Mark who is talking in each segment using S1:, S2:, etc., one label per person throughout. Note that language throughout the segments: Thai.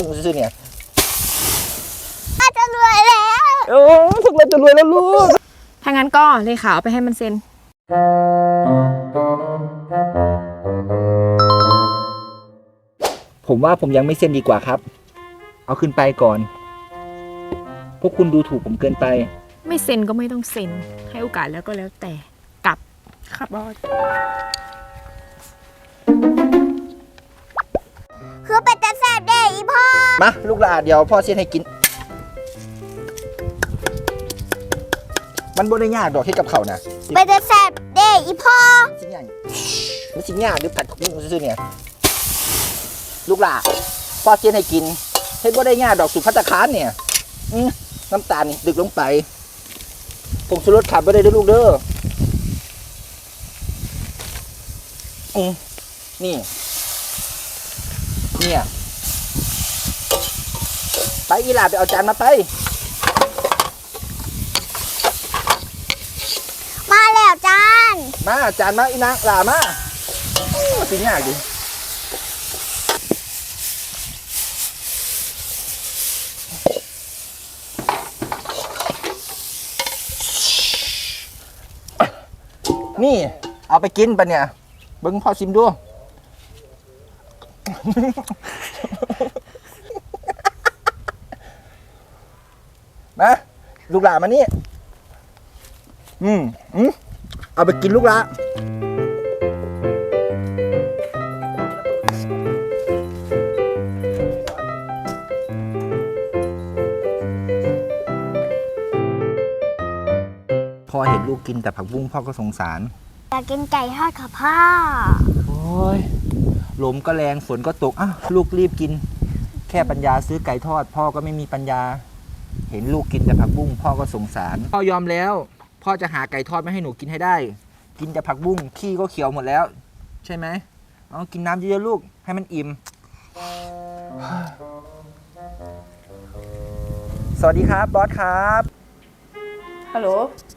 S1: ซื้อเนี่ย
S2: จะรวยแล้ว
S1: โอ้ทำไมจะรวยแล้วลูก
S3: ถ้างั้นก็เลขาเอาไปให้มันเซ็น
S1: ผมว่าผมยังไม่เซ็นดีกว่าครับเอาขึ้นไปก่อนพวกคุณดูถูกผมเกินไป
S3: ไม่เซ็นก็ไม่ต้องเซ็นให้โอกาสแล้วก็แล้วแต่กลับครับบอส
S2: คือเป็นแต่แสบเด้อีพ่อ
S1: มาลูกหลานเดี๋ยวพ่อเซ็นให้กินมันบ่ได้ยากดอกที่กับเขานะ
S2: เป็นแต่แสบเด้อีพ่อ
S1: สิ่งอย่างมันสิ่งยากหรือผัดกุ้งซื้อเนี่ยลูกหลานพ่อเซ็นให้กินเฮ็ดบ่ได้ยากดอกสุดภัตตาคารเนี่ยน้ำตาลนี่ดึกลงไปผงชูรสขาดบ่ได้เด้อลูกเด้อนี่เนี่ยไปอีหลาไปเอาจานมาไป
S2: มาแล้วจาน
S1: มาจานมาอีนางหลามาสิยากดินี่เอาไปกินปะเนี่ยเบิ้งพ่อชิมดูมาลูกหลานมานี่เอาไปกินลูกละพ่อเห็นลูกกินแต่ผักบุ้งพ่อก็สงสาร
S2: อยากกินไก่ทอดค่ะพ่อ
S1: โอ้ยลมก็แรงฝนก็ตกลูกรีบกินแค่ปัญญาซื้อไก่ทอดพ่อก็ไม่มีปัญญาเห็นลูกกินแต่ผักบุ้งพ่อก็สงสารพ่อยอมแล้วพ่อจะหาไก่ทอดมาให้หนูกินให้ได้กินแต่ผักบุ้งขี้ก็เขียวหมดแล้วใช่ไหมเอากินน้ำเยอะๆลูกให้มันอิ่มสวัสดีครับบอสครับ
S4: ฮัลโหล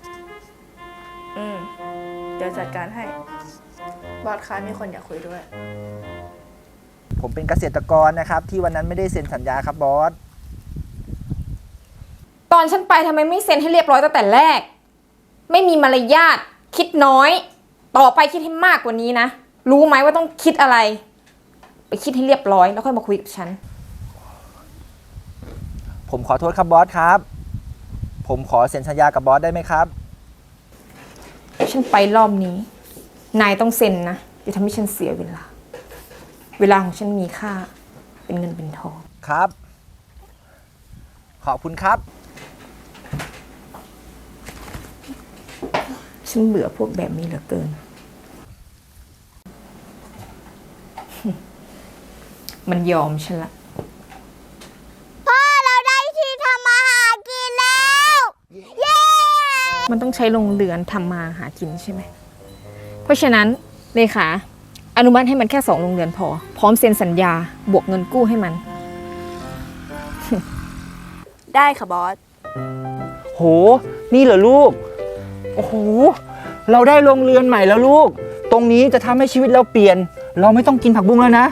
S4: เดี๋ยวจัดการให้บอสคะมีคนอยากคุยด้วย
S1: ผมเป็นเกษตรกรนะครับที่วันนั้นไม่ได้เซ็นสัญญาครับบอส
S3: ตอนฉันไปทำไมไม่เซ็นให้เรียบร้อยตั้งแต่แรกไม่มีมารยาทคิดน้อยต่อไปคิดให้มากกว่านี้นะรู้ไหมว่าต้องคิดอะไรไปคิดให้เรียบร้อยแล้วค่อยมาคุยกับฉัน
S1: ผมขอโทษครับบอสครับผมขอเซ็นสัญญากับบอสได้ไหมครับ
S3: ฉันไปรอบนี้นายต้องเซ็นนะอย่าทำให้ฉันเสียเวลาของฉันมีค่าเป็นเงินเป็นทอง
S1: ครับขอบคุณครับ
S3: ฉันเบื่อพวกแบบนี้เหลือเกินมันยอมฉันละ
S2: พ่อเราได้ที่ทำมาหากินแล้วเย้
S3: มันต้องใช้โรงเรือนทำมาหากินใช่ไหมเพราะฉะนั้นเลขาอนุมัติให้มันแค่2โรงเรือนพอพร้อมเซ็นสัญญาบวกเงินกู้ให้มัน
S4: ได้ค่ะบอส
S1: โหนี่เหรอลูกโอ้โหเราได้โรงเรือนใหม่แล้วลูกตรงนี้จะทำให้ชีวิตเราเปลี่ยนเราไม่ต้องกินผักบุ้งแล้วนะ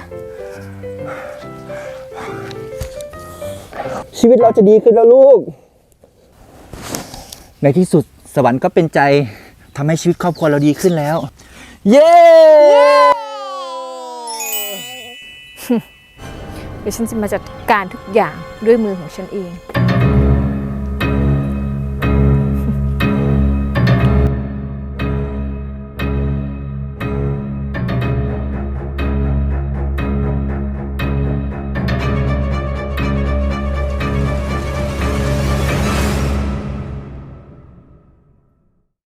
S1: ชีวิตเราจะดีขึ้นแล้วลูกในที่สุดสวรรค์ก็เป็นใจทำให้ชีวิตครอบครัวเราดีขึ้นแล้วเย้
S3: เดี๋ยวฉันจะมาจัดการทุกอย่างด้วยมือของฉันเอง